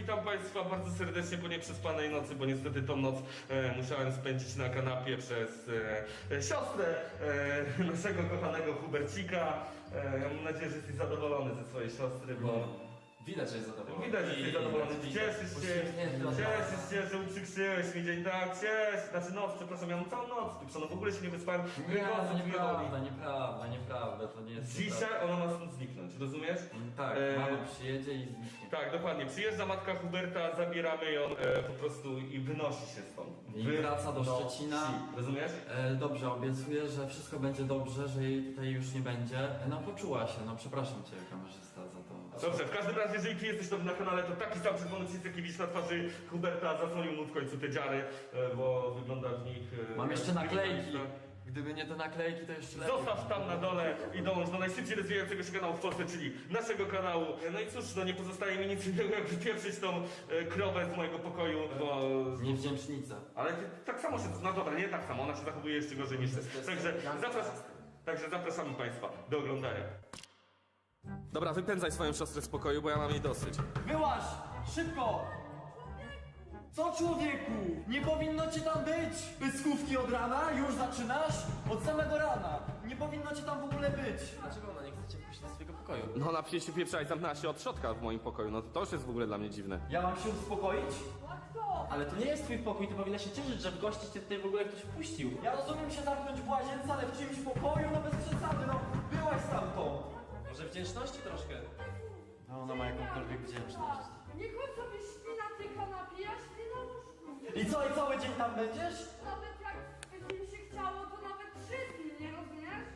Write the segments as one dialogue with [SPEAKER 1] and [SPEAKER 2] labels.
[SPEAKER 1] witam Państwa bardzo serdecznie po nieprzespanej nocy, bo niestety tą noc musiałem spędzić na kanapie przez siostrę naszego kochanego Hubercika. Mam nadzieję, że jesteś zadowolony ze swojej siostry, bo...
[SPEAKER 2] Widać, że jest zadowolony.
[SPEAKER 1] Widać, że jesteś zadowolony. Cieszysz się, że uprzykrzyłeś mi dzień, tak? Znaczy noc, przepraszam, ja mam całą noc, w ogóle się nie wyspałem.
[SPEAKER 2] Nieprawda, to nie jest...
[SPEAKER 1] Dzisiaj ona ma stąd zniknąć, rozumiesz?
[SPEAKER 2] Tak, mama przyjedzie i zniknie.
[SPEAKER 1] Tak, dokładnie. Przyjeżdża matka Huberta, zabieramy ją po prostu i wynosi się stąd.
[SPEAKER 2] I wraca do Szczecina.
[SPEAKER 1] Rozumiesz?
[SPEAKER 2] Dobrze, obiecuję, że wszystko będzie dobrze, że jej tutaj już nie będzie. No poczuła się, no przepraszam cię kamerzysta za to.
[SPEAKER 1] Dobrze, w każdym razie, jeżeli ty jesteś na kanale, to taki sam czerwony przycisk, jaki widzisz na twarzy Huberta, zasłonił mu w końcu te dziary, bo wygląda w nich...
[SPEAKER 2] Mam jeszcze naklejki. Gdyby nie te naklejki, to jeszcze lepiej.
[SPEAKER 1] Zostaw tam na dole i dołącz do najszybciej rozwijającego się kanału w Polsce, czyli naszego kanału. No i cóż, no nie pozostaje mi nic innego, jak wypieprzyć tą krowę z mojego pokoju, bo...
[SPEAKER 2] Niewdzięcznica.
[SPEAKER 1] Ale ty, tak samo się... No dobra, nie tak samo, ona się zachowuje jeszcze gorzej niż ty. Także zapraszamy Państwa do oglądania. Dobra, wypędzaj swoją siostrę z pokoju, bo ja mam jej dosyć.
[SPEAKER 3] Wyłaź! Szybko! Co człowieku? Nie powinno cię tam być! Pyskówki od rana? Już zaczynasz? Od samego rana! Nie powinno cię tam w ogóle być!
[SPEAKER 2] Dlaczego ona nie chce cię wpuścić do swojego pokoju?
[SPEAKER 1] No ona przecież się pieprzała i zamknęła się od środka w moim pokoju, no to już jest w ogóle dla mnie dziwne.
[SPEAKER 3] Ja mam się uspokoić?
[SPEAKER 4] Ale to nie jest twój pokój, ty powinna się cieszyć, że w gości cię tutaj w ogóle ktoś wpuścił.
[SPEAKER 3] Ja rozumiem się zamknąć w łazience, ale w czymś pokoju, no bez przesady, no byłaś stamtąd!
[SPEAKER 4] Może wdzięczności troszkę?
[SPEAKER 3] No ona ma jakąkolwiek wdzięczność.
[SPEAKER 5] Niech on sobie śpi na tej kanapie, ja śpię na łóżku.
[SPEAKER 3] I co, i cały dzień tam będziesz?
[SPEAKER 5] Nawet jak by mi się chciało, to nawet 3 dni, nie rozumiesz?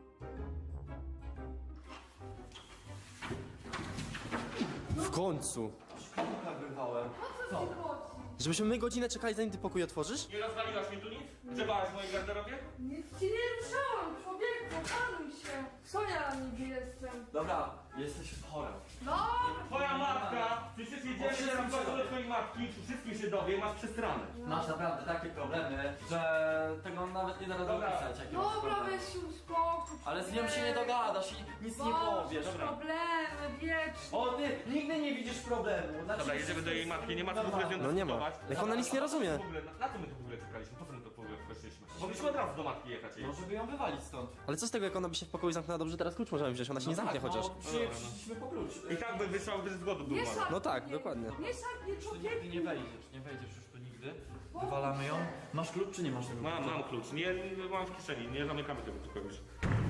[SPEAKER 6] W końcu!
[SPEAKER 3] Szklanka wyrwałem.
[SPEAKER 5] O co ci chodzi?
[SPEAKER 6] Żebyśmy my godzinę czekali, zanim ty pokój otworzysz?
[SPEAKER 1] Nie rozwaliłaś mi tu nic? Grzebałaś w mojej garderobie?
[SPEAKER 5] Nic ci nie ruszałam, człowieku, panuj się. Co ja niby jestem?
[SPEAKER 2] Dobra, jesteś chora.
[SPEAKER 5] No,
[SPEAKER 1] Twoja matka! Przecież jedziemy się do twojej matki, wszystkim się dowie, masz przestranę.
[SPEAKER 2] Masz naprawdę takie problemy, że tego nawet nie da rady
[SPEAKER 1] Dobra.
[SPEAKER 2] opisać. jakie masz
[SPEAKER 5] dobra,
[SPEAKER 2] problemy.
[SPEAKER 5] weź się uspokój.
[SPEAKER 2] Ale z nią się nie dogadasz i nic nie powiesz.
[SPEAKER 5] problemy, wieczne.
[SPEAKER 3] O ty, nigdy nie widzisz problemu. Znaczy,
[SPEAKER 1] Dobra, jedziemy do jej matki, nie ma co w ogóle z nią
[SPEAKER 6] No nie ma.
[SPEAKER 1] dyskutować.
[SPEAKER 6] Jak ona nic nie rozumie.
[SPEAKER 1] Na co my tu w ogóle czekaliśmy? Po co my tu w ogóle weszliśmy? Mogliśmy od razu do matki jechać jej.
[SPEAKER 2] No żeby ją wywalić stąd.
[SPEAKER 6] Ale co z tego, jak ona by się w pokoju zamknęła? Dobrze, teraz klucz możemy wziąć, ona się nie zamknie
[SPEAKER 2] tak,
[SPEAKER 6] chociaż.
[SPEAKER 2] No, przyszliśmy po klucz.
[SPEAKER 1] I tak by wyszła bez zgody
[SPEAKER 5] Nie
[SPEAKER 1] była.
[SPEAKER 5] szarpnij
[SPEAKER 6] No tak,
[SPEAKER 5] mnie.
[SPEAKER 6] dokładnie.
[SPEAKER 5] Nie szarpnij,
[SPEAKER 2] Tu
[SPEAKER 5] człowieku.
[SPEAKER 2] nigdy nie wejdziesz już tu nigdy. Wywalamy ją. Masz klucz czy nie masz tego klucza?
[SPEAKER 1] Mam klucz, nie mam w kieszeni, nie zamykamy tego pokoju już.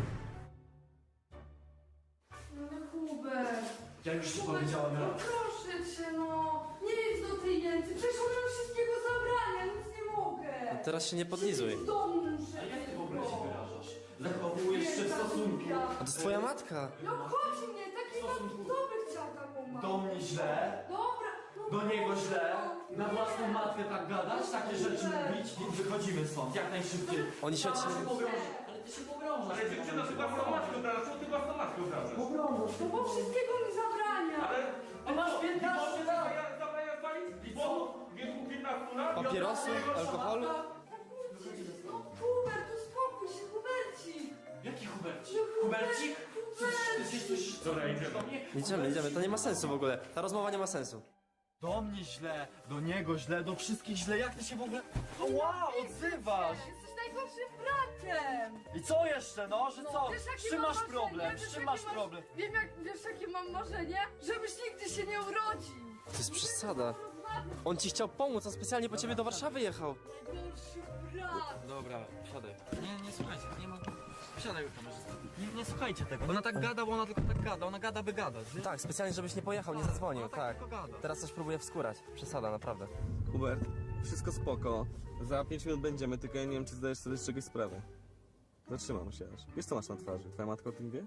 [SPEAKER 5] No Hubert.
[SPEAKER 3] Ja już ci powiedziałem
[SPEAKER 5] No
[SPEAKER 3] raz.
[SPEAKER 5] proszę cię, no. Nie jedź do tej Jęcy, przecież ona nam wszystkiego zabrania, nic nie mogę.
[SPEAKER 6] No teraz się nie podlizuj.
[SPEAKER 5] W domu muszę.
[SPEAKER 2] A jak ty w ogóle się wyrażasz? Zachowujesz się w stosunku
[SPEAKER 6] A to jest twoja matka!
[SPEAKER 5] No chodź mnie, taki dobry chciał taką mamę.
[SPEAKER 3] Do mnie źle,
[SPEAKER 5] Dobra. No
[SPEAKER 3] do niego źle,
[SPEAKER 5] no,
[SPEAKER 3] na
[SPEAKER 5] nie.
[SPEAKER 3] własną matkę tak gadać, takie rzeczy mówić, więc wychodzimy stąd, jak najszybciej.
[SPEAKER 6] Oni się...
[SPEAKER 2] Ale ty się pogrążasz.
[SPEAKER 1] Ale dziewczyno, ty własną matkę obrażasz, co ty własną matkę obrażasz?
[SPEAKER 5] No bo wszystkiego mi zabrania.
[SPEAKER 1] Ale...
[SPEAKER 3] Ty masz 15 lat!
[SPEAKER 1] Zabrania zwalić? I co? W wieku 15 lat?
[SPEAKER 6] Papierosy, alkoholu?
[SPEAKER 5] No Hubert, uspokój się, Hubercik.
[SPEAKER 2] Jaki Hubercik?
[SPEAKER 5] No,
[SPEAKER 2] Hubercik?
[SPEAKER 5] Hubercik.
[SPEAKER 1] Dobra, idziemy.
[SPEAKER 6] Idziemy, to nie ma sensu w ogóle. Ta rozmowa nie ma sensu.
[SPEAKER 3] Do mnie źle, do niego źle, do wszystkich źle, jak ty się w ogóle... O wow, odzywasz!
[SPEAKER 5] Jesteś najgorszym bratem.
[SPEAKER 3] I co jeszcze, no, że co?
[SPEAKER 5] Wiesz, jakie
[SPEAKER 3] Z czym
[SPEAKER 5] mam
[SPEAKER 3] masz
[SPEAKER 5] marzenie?
[SPEAKER 3] problem?
[SPEAKER 5] Wiesz,
[SPEAKER 3] Z czym
[SPEAKER 5] jakie
[SPEAKER 3] masz problem?
[SPEAKER 5] Wiem, wiesz, jakie mam marzenie? Żebyś nigdy się nie urodził.
[SPEAKER 6] To jest przesada. On ci chciał pomóc, on specjalnie po ciebie do Warszawy jechał.
[SPEAKER 5] Najgorszy brat.
[SPEAKER 2] Dobra, siadaj. Nie słuchajcie, nie ma... Siadaj kamerzysta. Nie słuchajcie tego. Ona tak gada, bo ona tylko tak gada. Ona gada, by gadać.
[SPEAKER 6] Tak, specjalnie żebyś nie pojechał, nie zadzwonił, tak.
[SPEAKER 2] tylko gada.
[SPEAKER 6] Teraz coś próbuję wskórać. Przesada, naprawdę.
[SPEAKER 1] Hubert, wszystko spoko. Za 5 minut będziemy, tylko ja nie wiem, czy zdajesz sobie z czegoś sprawę. Zatrzymam się aż. Wiesz, co masz na twarzy? Twoja matka o tym wie?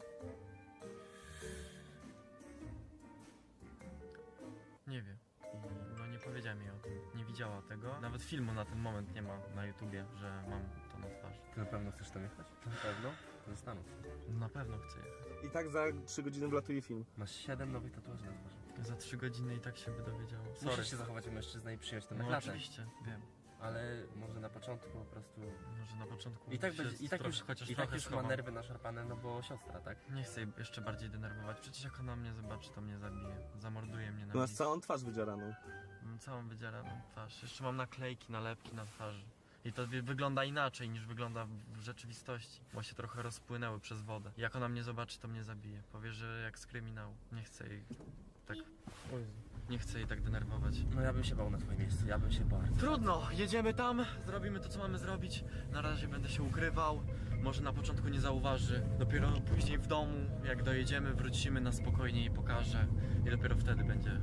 [SPEAKER 7] Nie wie. I no nie powiedziała mi o tym. Nie widziała tego. Nawet filmu na ten moment nie ma na YouTubie, że mam to na twarzy.
[SPEAKER 1] Ty na pewno chcesz tam jechać? Na pewno? Zastanów się.
[SPEAKER 7] Na pewno chcę jechać.
[SPEAKER 1] I tak za 3 godziny wlatuje film.
[SPEAKER 8] Masz 7 nowych tatuaży na twarzy.
[SPEAKER 7] Za 3 godziny i tak się by dowiedziało. Sorry.
[SPEAKER 8] Musisz się zachować jak mężczyzna i przyjąć ten
[SPEAKER 7] No
[SPEAKER 8] naklatę.
[SPEAKER 7] oczywiście, wiem.
[SPEAKER 6] Ale może na początku po prostu...
[SPEAKER 7] Może na początku
[SPEAKER 6] I tak,
[SPEAKER 7] się
[SPEAKER 6] będzie, i tak
[SPEAKER 7] trochę,
[SPEAKER 6] już,
[SPEAKER 7] chociaż
[SPEAKER 6] i tak
[SPEAKER 7] trochę
[SPEAKER 6] już ma
[SPEAKER 7] schowam.
[SPEAKER 6] nerwy naszarpane, no bo siostra, tak?
[SPEAKER 7] Nie chcę jej jeszcze bardziej denerwować, przecież jak ona mnie zobaczy, to mnie zabije. Zamorduje mnie na
[SPEAKER 1] Masz
[SPEAKER 7] miejscu.
[SPEAKER 1] całą twarz wydzieraną.
[SPEAKER 7] Mam całą wydzieraną twarz. Jeszcze mam naklejki, nalepki na twarzy. I to wygląda inaczej niż wygląda w rzeczywistości, bo się trochę rozpłynęły przez wodę. Jak ona mnie zobaczy, to mnie zabije. Powie, że jak z kryminału. Nie chcę jej tak... Nie chcę jej tak denerwować.
[SPEAKER 6] No ja bym się bał na twoim miejscu, ja bym się bał.
[SPEAKER 7] Trudno, jedziemy tam, zrobimy to, co mamy zrobić. Na razie będę się ukrywał. Może na początku nie zauważy. Dopiero później w domu, jak dojedziemy, wrócimy na spokojnie i pokażę. I dopiero wtedy będę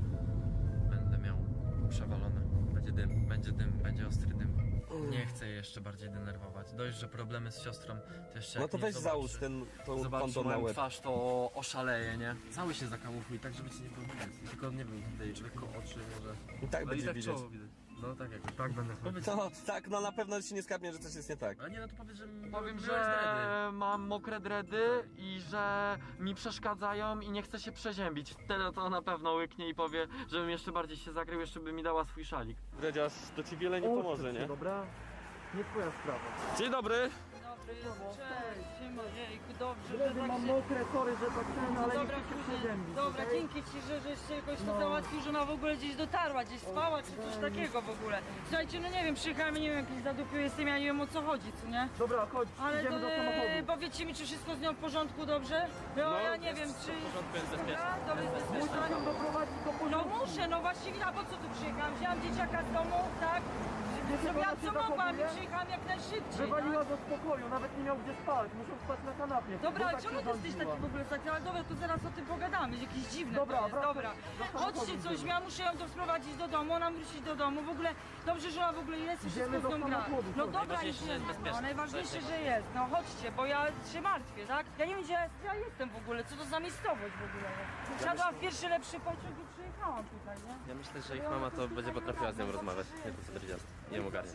[SPEAKER 7] miał przewalone. Będzie dym, będzie ostry dym. Nie chcę jej jeszcze bardziej denerwować. Dość, że problemy z siostrą to jeszcze
[SPEAKER 1] No
[SPEAKER 7] jak
[SPEAKER 1] to
[SPEAKER 7] mnie
[SPEAKER 1] weź
[SPEAKER 7] zobaczy,
[SPEAKER 1] załóż tą
[SPEAKER 7] zobaczy
[SPEAKER 1] konto na
[SPEAKER 7] moją
[SPEAKER 1] łeb.
[SPEAKER 7] twarz, to oszaleje, nie?
[SPEAKER 6] Cały się zakamufuj, tak żeby ci nie było widać. Tylko nie wiem, tutaj lekko oczy może.
[SPEAKER 1] I tak
[SPEAKER 6] No i
[SPEAKER 1] będzie
[SPEAKER 6] tak
[SPEAKER 1] widać.
[SPEAKER 6] czoło widać. No tak jak.
[SPEAKER 7] Tak będę
[SPEAKER 6] Powiedz,
[SPEAKER 1] To tak, no na pewno ci nie skapnie, że coś jest nie tak.
[SPEAKER 6] a nie, no to powiedz, że
[SPEAKER 2] Powiem,
[SPEAKER 6] miałeś
[SPEAKER 2] że
[SPEAKER 6] dredy.
[SPEAKER 2] mam mokre dredy i że mi przeszkadzają i nie chcę się przeziębić. Wtedy to na pewno łyknie i powie, żebym jeszcze bardziej się zakrył, jeszcze by mi dała swój szalik.
[SPEAKER 1] Dredziarz, to ci wiele nie pomoże, nie?
[SPEAKER 3] Dobra? Nie twoja sprawa.
[SPEAKER 1] Dzień dobry!
[SPEAKER 8] Dobry, cześć, siema, jejku, dobrze, że
[SPEAKER 3] Dredy
[SPEAKER 8] tak
[SPEAKER 3] mam
[SPEAKER 8] się...
[SPEAKER 3] mokre, sorry, że tak ten, ale
[SPEAKER 8] Dobra,
[SPEAKER 3] nie chcę się
[SPEAKER 8] później,
[SPEAKER 3] przeziębić.
[SPEAKER 8] dobra,
[SPEAKER 3] okej?
[SPEAKER 8] dzięki ci, żeś się jakoś to
[SPEAKER 3] No.
[SPEAKER 8] załatwił, że ona w ogóle gdzieś dotarła, gdzieś spała, czy coś takiego w ogóle. Słuchajcie, no nie wiem, przyjechałem, nie wiem, jakiś zadupił jestem, ja nie wiem o co chodzi, co nie?
[SPEAKER 3] Dobra, chodź,
[SPEAKER 8] Ale
[SPEAKER 3] idziemy
[SPEAKER 8] to,
[SPEAKER 3] do samochodu.
[SPEAKER 8] powiedzcie mi, czy wszystko z nią w porządku, dobrze? No, ja nie wiem, czy...
[SPEAKER 6] W porządku, jest bezpieczne.
[SPEAKER 8] Dobra, to jest
[SPEAKER 3] Musisz
[SPEAKER 8] bezpieczne.
[SPEAKER 3] ją doprowadzić do
[SPEAKER 8] No
[SPEAKER 3] porządku.
[SPEAKER 8] muszę, no właściwie, a po co tu przyjechałam? Wzięłam dzieciaka z domu, tak? Zrobiłam co mogłam i przyjechałam jak najszybciej,
[SPEAKER 3] Wywaliła
[SPEAKER 8] tak?
[SPEAKER 3] do spokoju, nawet nie miał gdzie spać, muszą spać na kanapie.
[SPEAKER 8] Dobra,
[SPEAKER 3] Bo
[SPEAKER 8] ale
[SPEAKER 3] tak
[SPEAKER 8] czemu
[SPEAKER 3] się
[SPEAKER 8] ty jesteś
[SPEAKER 3] rządziła.
[SPEAKER 8] taki w ogóle taki? Ale dobra, to zaraz o tym pogadamy, jakieś dziwne
[SPEAKER 3] Dobra,
[SPEAKER 8] to jest,
[SPEAKER 3] wracaj.
[SPEAKER 8] dobra.
[SPEAKER 3] Do samochodu
[SPEAKER 8] Chodźcie coś,
[SPEAKER 3] idziemy.
[SPEAKER 8] ja muszę ją doprowadzić do domu, ona wrócić do domu, w ogóle dobrze, że ona w ogóle jest i
[SPEAKER 3] Idziemy
[SPEAKER 8] wszystko z
[SPEAKER 3] do
[SPEAKER 8] nią gra.
[SPEAKER 3] samochodu,
[SPEAKER 8] No
[SPEAKER 3] chodź.
[SPEAKER 8] dobra,
[SPEAKER 6] Najważniejsze, że jest
[SPEAKER 8] idziemy,
[SPEAKER 6] bezpieczne.
[SPEAKER 8] no najważniejsze,
[SPEAKER 6] To
[SPEAKER 8] że jest, no chodźcie, bo ja się martwię, tak? Ja nie wiem, gdzie ja jestem w ogóle, co to za miejscowość w ogóle. Wsiadłam w pierwszy lepszy pociąg i przyjechałam tutaj, nie?
[SPEAKER 6] Ja myślę, że ich mama to będzie potrafiła z nią rozmawiać. Nie to co będzie nie ją ogarnia.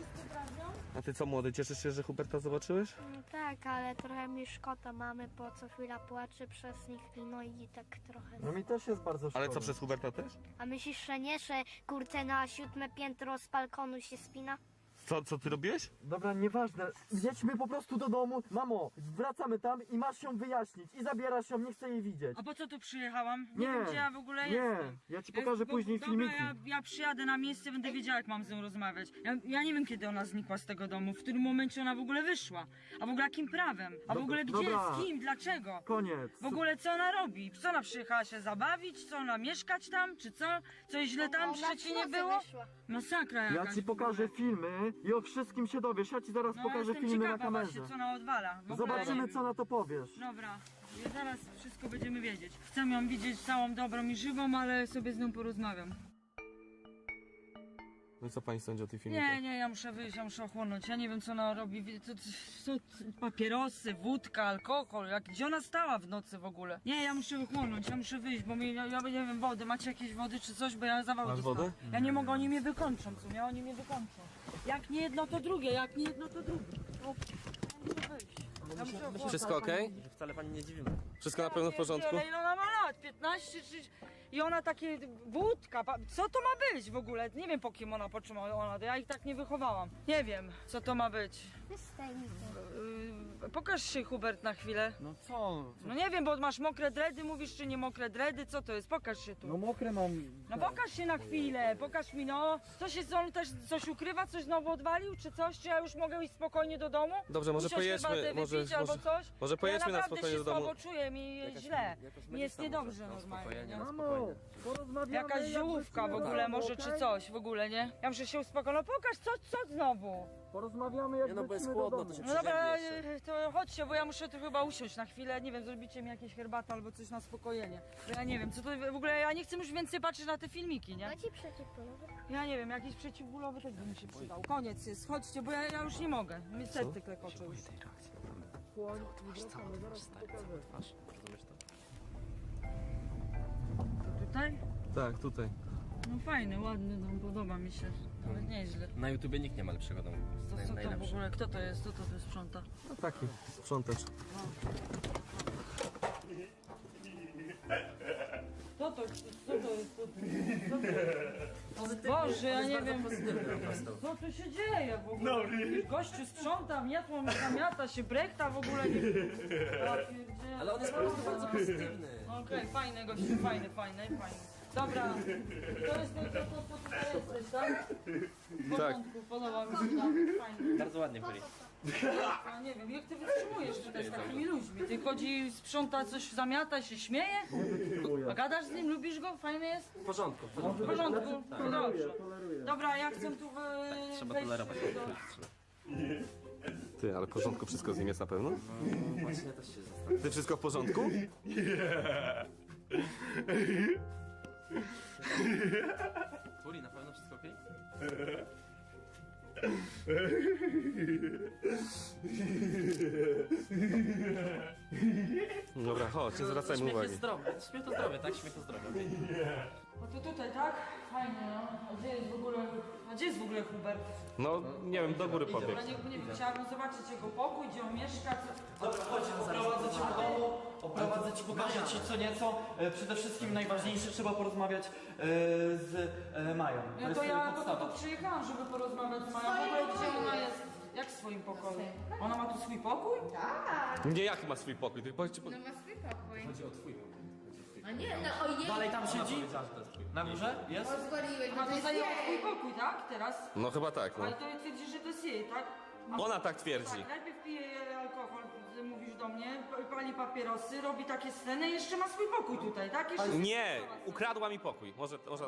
[SPEAKER 1] A ty co młody, cieszysz się, że Huberta zobaczyłeś?
[SPEAKER 9] No tak, ale trochę mi szkoda mamy, bo co chwila płacze przez nich, no i tak trochę.
[SPEAKER 3] No mi też jest bardzo szkoda.
[SPEAKER 1] Ale co, przez Huberta też?
[SPEAKER 9] A myślisz, że nie, że kurczę na 7 piętro z balkonu się spina?
[SPEAKER 1] Co ty robiłeś?
[SPEAKER 3] Dobra, nieważne. Jedźmy po prostu do domu. Mamo, wracamy tam i masz ją wyjaśnić. I zabierasz ją, nie chcę jej widzieć.
[SPEAKER 8] A po co tu przyjechałam? Nie,
[SPEAKER 3] Nie,
[SPEAKER 8] wiem, gdzie ja w ogóle
[SPEAKER 3] Nie,
[SPEAKER 8] jestem.
[SPEAKER 3] ja ci pokażę później
[SPEAKER 8] Dobra,
[SPEAKER 3] filmiki.
[SPEAKER 8] ja przyjadę na miejsce, będę wiedziała, jak mam z nią rozmawiać. Ja nie wiem, kiedy ona znikła z tego domu, w którym momencie ona w ogóle wyszła. A w ogóle jakim prawem? A w ogóle gdzie,
[SPEAKER 3] dobra.
[SPEAKER 8] z kim, dlaczego?
[SPEAKER 3] Koniec.
[SPEAKER 8] W ogóle co ona robi? Co ona przyjechała się zabawić? Co ona mieszkać tam? Czy co? Coś źle tam w
[SPEAKER 9] Ona
[SPEAKER 8] Szczecinie
[SPEAKER 9] w nocy
[SPEAKER 8] było?
[SPEAKER 9] wyszła.
[SPEAKER 8] Masakra jakaś.
[SPEAKER 3] Ja ci
[SPEAKER 8] w ogóle.
[SPEAKER 3] pokażę filmy i o wszystkim się dowiesz. Ja ci zaraz
[SPEAKER 8] No,
[SPEAKER 3] pokażę
[SPEAKER 8] jestem
[SPEAKER 3] filmy na
[SPEAKER 8] ciekawa
[SPEAKER 3] kamerze.
[SPEAKER 8] właśnie, co ona odwala. W ogóle
[SPEAKER 3] Zobaczymy,
[SPEAKER 8] nie
[SPEAKER 3] co na to powiesz.
[SPEAKER 8] Dobra, ja zaraz wszystko będziemy wiedzieć. Chcę ją widzieć całą dobrą i żywą, ale sobie z nią porozmawiam.
[SPEAKER 1] No i co pani sądzi o tej
[SPEAKER 8] Nie, ja muszę wyjść, ja muszę ochłonąć. Ja nie wiem, co ona robi. To papierosy, wódka, alkohol. Gdzie ona stała w nocy w ogóle? Nie, ja muszę ochłonąć, ja muszę wyjść, bo ja nie wiem, wody. Macie jakieś wody czy coś, bo ja zawał
[SPEAKER 1] Masz
[SPEAKER 8] dostałam.
[SPEAKER 1] wodę?
[SPEAKER 8] Ja nie mogę, oni mnie wykończą, co nie? Oni mnie wykończą. Jak nie jedno, to drugie, jak nie jedno, to drugie. O, ja muszę wyjść. Ja muszę ochłonąć.
[SPEAKER 6] Wszystko okej? Wcale pani nie dziwimy.
[SPEAKER 1] Wszystko na pewno w porządku?
[SPEAKER 8] Ale ile ona ma lat? 15 czy... I ona takie wódka, co to ma być w ogóle? Nie wiem, po kim ona, po czym ona, ja ich tak nie wychowałam. Nie wiem, co to ma być. Pokaż się, Hubert, na chwilę.
[SPEAKER 2] No co?
[SPEAKER 8] No nie wiem, bo masz mokre dredy, mówisz, czy nie mokre dredy, co to jest? Pokaż się tu.
[SPEAKER 3] No mokre mam.
[SPEAKER 8] No pokaż się na chwilę, pokaż mi, no. Co się, on też coś ukrywa, coś znowu odwalił, czy coś? Czy ja już mogę iść spokojnie do domu?
[SPEAKER 1] Dobrze, może
[SPEAKER 8] Usiąść,
[SPEAKER 1] pojedźmy,
[SPEAKER 8] herbatę wypić albo coś?
[SPEAKER 1] może pojedźmy
[SPEAKER 8] ja
[SPEAKER 1] na spokojnie do domu.
[SPEAKER 8] naprawdę się słabo czuję, mi jest źle. Mi jest niedobrze normalnie, nie?
[SPEAKER 3] Mamo, porozmawiamy.
[SPEAKER 8] Jakaś
[SPEAKER 3] jak
[SPEAKER 8] ziołówka w
[SPEAKER 3] wrócimy
[SPEAKER 8] ogóle
[SPEAKER 3] do domu,
[SPEAKER 8] może, czy
[SPEAKER 3] okej?
[SPEAKER 8] coś w ogóle, nie? Ja muszę się uspokoić. No pokaż, co znowu?
[SPEAKER 3] Porozmawiamy jak
[SPEAKER 6] Nie no, bo jest
[SPEAKER 3] wrócimy do
[SPEAKER 6] chłodno,
[SPEAKER 3] domu.
[SPEAKER 6] to się
[SPEAKER 8] No dobra,
[SPEAKER 6] przeziębi jeszcze.
[SPEAKER 8] to chodźcie, bo ja muszę tu chyba usiąść na chwilę. Nie wiem, zrobicie mi jakieś herbatę albo coś na spokojenie. Bo ja nie wiem, co to w ogóle, ja nie chcę już więcej patrzeć na te filmiki, nie?
[SPEAKER 9] No ci przeciwpolowy.
[SPEAKER 8] Ja nie wiem, jakiś przeciwbólowy też by mi się przydał. Koniec jest, chodźcie, bo ja już nie mogę. Mi serce klekocze już.
[SPEAKER 6] Rozumiesz to?
[SPEAKER 8] To tutaj?
[SPEAKER 1] Tak, tutaj.
[SPEAKER 8] No fajny, ładny dom, podoba mi się. Ale nieźle.
[SPEAKER 6] Na YouTubie nikt nie ma lepszego domu.
[SPEAKER 8] Co to w
[SPEAKER 6] Najlepszy.
[SPEAKER 8] ogóle, kto to jest? Kto to tu sprząta?
[SPEAKER 1] No taki, sprzątacz.
[SPEAKER 8] Co to jest? Co to jest? Co to jest? Boże, że ja nie wiem,
[SPEAKER 6] Pozytywny po prostu.
[SPEAKER 8] co tu się dzieje w ogóle. Gościu sprząta, miatło zamiata się, brekta w ogóle nie... Ja pierdzielę.
[SPEAKER 6] Ale on jest po prostu bardzo pozytywny.
[SPEAKER 8] Okej, fajny gościu, fajny. Dobra, to jest ten, co tutaj jesteś, tak? W porządku, podoba mi się, tak, fajnie.
[SPEAKER 4] Bardzo ładnie byli.
[SPEAKER 8] Ja nie wiem, jak ty wytrzymujesz tutaj z takimi ludźmi? Ty chodzi, sprząta coś, zamiata, się śmieje? A gadasz z nim, lubisz go? Fajny jest?
[SPEAKER 6] W porządku, w
[SPEAKER 8] W
[SPEAKER 6] porządku.
[SPEAKER 8] porządku? No dobrze. Dobra, ja chcę tu
[SPEAKER 4] Trzeba
[SPEAKER 8] wejść
[SPEAKER 4] tolerować.
[SPEAKER 1] Ty, ale w porządku wszystko z nim jest na pewno?
[SPEAKER 6] Właśnie też się zastanawiam.
[SPEAKER 1] Ty wszystko w porządku?
[SPEAKER 6] Puli, na pewno wszystko okej?
[SPEAKER 1] Dobra, chodź, nie zwracajmy
[SPEAKER 4] Śmiech
[SPEAKER 1] uwagi.
[SPEAKER 4] jest zdrowy. Śmiech to zdrowie, tak? Śmiech to zdrowie.
[SPEAKER 8] No to tutaj, tak? Fajnie, no. A gdzie jest w ogóle Hubert?
[SPEAKER 1] No, nie wiem, do góry pobiegł.
[SPEAKER 8] Ja nie wiem, chciałabym zobaczyć jego pokój, gdzie on mieszka, co...
[SPEAKER 3] Dobra, chodź, oprowadzę cię po domu, oprowadzę ci, pokażę ci co nieco. Przede wszystkim najważniejsze, trzeba porozmawiać z Mają.
[SPEAKER 8] No to ja po to tu przyjechałam, żeby porozmawiać z Mają. W ogóle gdzie ona jest? Jak w swoim pokoju? Ona ma tu swój pokój?
[SPEAKER 1] Nie, jaki ma swój pokój? Ty powiedz,
[SPEAKER 5] No ma swój pokój.
[SPEAKER 6] Chodzi o twój.
[SPEAKER 5] No nie, no ojej.
[SPEAKER 3] Dalej tam siedzi?
[SPEAKER 6] Powiedziała, że to jest twój.
[SPEAKER 3] Na górze? Jest?
[SPEAKER 5] Pozwoliłeś, bo
[SPEAKER 8] A
[SPEAKER 5] to
[SPEAKER 8] to
[SPEAKER 5] jest
[SPEAKER 8] zajęła swój
[SPEAKER 5] jej.
[SPEAKER 8] pokój, tak? Teraz?
[SPEAKER 1] No chyba tak, no.
[SPEAKER 8] Ale to twierdzi, że to jest jej, tak?
[SPEAKER 1] Ona tak twierdzi.
[SPEAKER 8] Tak, najpierw pije alkohol, mówisz do mnie, pali papierosy, robi takie sceny i jeszcze ma swój pokój tutaj, tak? Jeszcze
[SPEAKER 1] Nie, ukradła mi pokój. Może tak...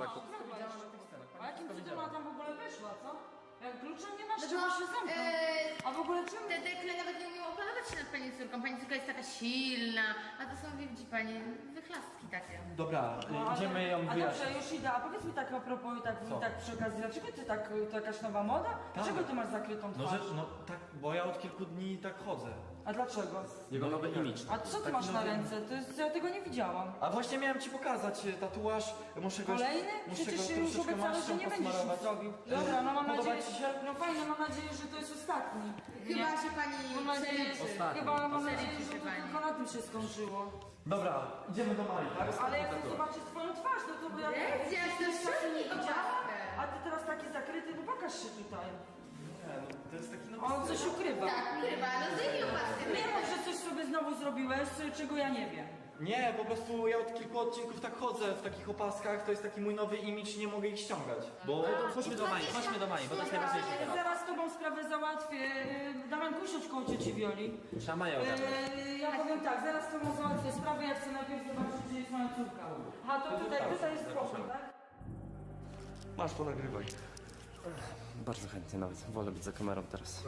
[SPEAKER 8] A jakim cudem ona tam w ogóle weszła, co? Jak klucza nie masz,
[SPEAKER 5] No
[SPEAKER 8] trzeba
[SPEAKER 5] to,
[SPEAKER 8] się zamknąć. A w ogóle czemu?
[SPEAKER 5] Te dekle nawet nie umieją opanować się nad pani córką. Pani córka jest taka silna, a to są, widzi pani, wychlastki takie.
[SPEAKER 3] Dobra,
[SPEAKER 8] No,
[SPEAKER 3] idziemy ją
[SPEAKER 8] A
[SPEAKER 3] wyjaśnić.
[SPEAKER 8] dobrze, już idę. A powiedz mi tak a propos i tak przy okazji, dlaczego ty tak, to jakaś nowa moda? Dlaczego ty masz zakrytą
[SPEAKER 3] No,
[SPEAKER 8] twarz?
[SPEAKER 3] no tak, bo ja od kilku dni tak chodzę.
[SPEAKER 8] A dlaczego?
[SPEAKER 6] Jego nowy imidż.
[SPEAKER 8] A co ty masz na ręce? To jest, ja tego nie widziałam.
[SPEAKER 3] A właśnie miałem ci pokazać tatuaż, muszę go
[SPEAKER 8] Kolejny?
[SPEAKER 3] muszę
[SPEAKER 8] Przecież
[SPEAKER 3] go
[SPEAKER 8] już
[SPEAKER 3] troszeczkę
[SPEAKER 8] obiecałeś, że
[SPEAKER 3] maścią
[SPEAKER 8] nie będziesz nic
[SPEAKER 3] posmarować.
[SPEAKER 8] zrobił. Dobra, no mam
[SPEAKER 3] Podoba
[SPEAKER 8] nadzieję,
[SPEAKER 3] ci się?
[SPEAKER 8] no fajnie, mam nadzieję, że to jest ostatni.
[SPEAKER 5] Chyba się pani
[SPEAKER 8] Mam nadzieję,
[SPEAKER 5] przeliczy.
[SPEAKER 8] chyba mam nadzieję,
[SPEAKER 5] Przeliczy
[SPEAKER 8] że
[SPEAKER 5] się
[SPEAKER 8] to
[SPEAKER 5] pani.
[SPEAKER 8] tylko na tym się skończyło.
[SPEAKER 3] Dobra, idziemy do Marii, tak?
[SPEAKER 8] Ale ja chcę zobaczyć twoją twarz, no to bo ja...
[SPEAKER 5] Jest, ja to ściągnij tą czapkę.
[SPEAKER 8] A ty teraz taki zakryty, no pokaż się tutaj.
[SPEAKER 3] Nie, no, to jest taki nowy
[SPEAKER 8] On coś ukrywa.
[SPEAKER 5] Tak, chyba, no zdejmij opaskę.
[SPEAKER 8] Nie mów, że coś sobie znowu zrobiłeś, czego ja nie wiem.
[SPEAKER 3] Nie, po prostu ja od kilku odcinków tak chodzę w takich opaskach, to jest taki mój nowy imidż, nie mogę ich ściągać. Bo
[SPEAKER 4] Chodźmy do Mai, bo to jest najważniejsze teraz.
[SPEAKER 8] Zaraz z tobą sprawę załatwię. Damian, usiądź koło cieci Wioli.
[SPEAKER 4] Trzeba Maję ogarnąć.
[SPEAKER 8] Ja powiem tak, zaraz z tobą załatwię sprawę, ja chcę najpierw zobaczyć, gdzie jest moja córka. A to tutaj jest spokój, tak?
[SPEAKER 1] Masz, ponagrywaj.
[SPEAKER 6] Bardzo chętnie nawet. Wolę być za kamerą teraz.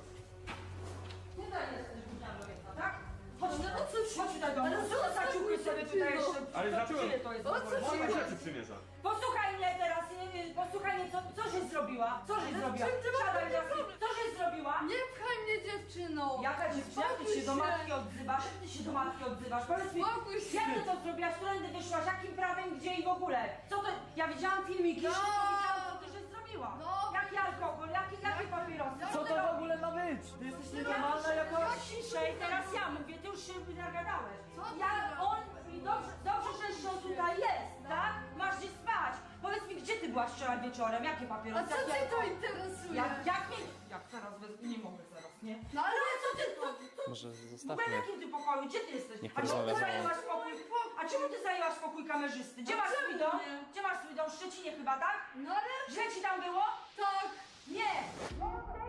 [SPEAKER 8] Tutaj jesteś budziarą jedna, tak? Chodź, no chodź tutaj do mnie. Co za ciuchy sobie tutaj jeszcze?
[SPEAKER 1] Ale dlaczego?
[SPEAKER 8] Czyje to jest? w ogóle?
[SPEAKER 1] Moje rzeczy przymierza.
[SPEAKER 8] Posłuchaj mnie teraz, posłuchaj mnie, co żeś zrobiła? Co żeś zrobiła?
[SPEAKER 5] czym ty masz
[SPEAKER 8] Siadaj
[SPEAKER 5] takie
[SPEAKER 8] na chwilę. Co żeś zrobiła?
[SPEAKER 5] Nie pchaj mnie, dziewczyno.
[SPEAKER 8] Jaka dziewczyna? Ty się do matki odzywasz? Jak ty się do matki odzywasz? Powiedz mi,
[SPEAKER 5] Spokój się.
[SPEAKER 8] jak ty to zrobiłaś? Którędy wyszłaś? Jakim prawem? Gdzie i w ogóle? Co to? Ja widziałam filmiki,
[SPEAKER 5] No.
[SPEAKER 8] widziałam, co ty żeś zrobiła.
[SPEAKER 5] No.
[SPEAKER 8] Jaki alkohol? Jakie papierosy?
[SPEAKER 3] co to w ogóle ma być? Ty jesteś nienormalna jakoś?
[SPEAKER 8] Ciszej, teraz ja mówię, ty już się nagadałeś.
[SPEAKER 5] Co ty
[SPEAKER 8] Ja,
[SPEAKER 5] gadasz?
[SPEAKER 8] on, i dobrze, że jeszcze on tutaj jest, tak? Masz gdzie spać. Powiedz mi, gdzie ty byłaś wczoraj wieczorem? Jakie
[SPEAKER 5] A
[SPEAKER 8] papierosy?
[SPEAKER 5] co
[SPEAKER 8] jakie
[SPEAKER 5] cię to
[SPEAKER 8] alkohol?
[SPEAKER 5] interesuje?
[SPEAKER 8] Jak teraz, nie mogę zaraz, nie?
[SPEAKER 5] No ale
[SPEAKER 8] Co ty,
[SPEAKER 6] Może
[SPEAKER 8] w
[SPEAKER 6] zostawmy.
[SPEAKER 8] ogóle jakim ty pokoju? Gdzie ty jesteś?
[SPEAKER 6] Niech
[SPEAKER 8] A czemu ty
[SPEAKER 6] porozmawia ze mną.
[SPEAKER 8] zajęłaś pokój? A czemu ty zajęłaś pokój kamerzysty? Gdzie masz swój dom?
[SPEAKER 5] nie?
[SPEAKER 8] Gdzie masz swój dom? W Szczecinie chyba, tak?
[SPEAKER 5] No ale
[SPEAKER 8] Źle ci tam było?
[SPEAKER 5] tak.
[SPEAKER 8] Nie!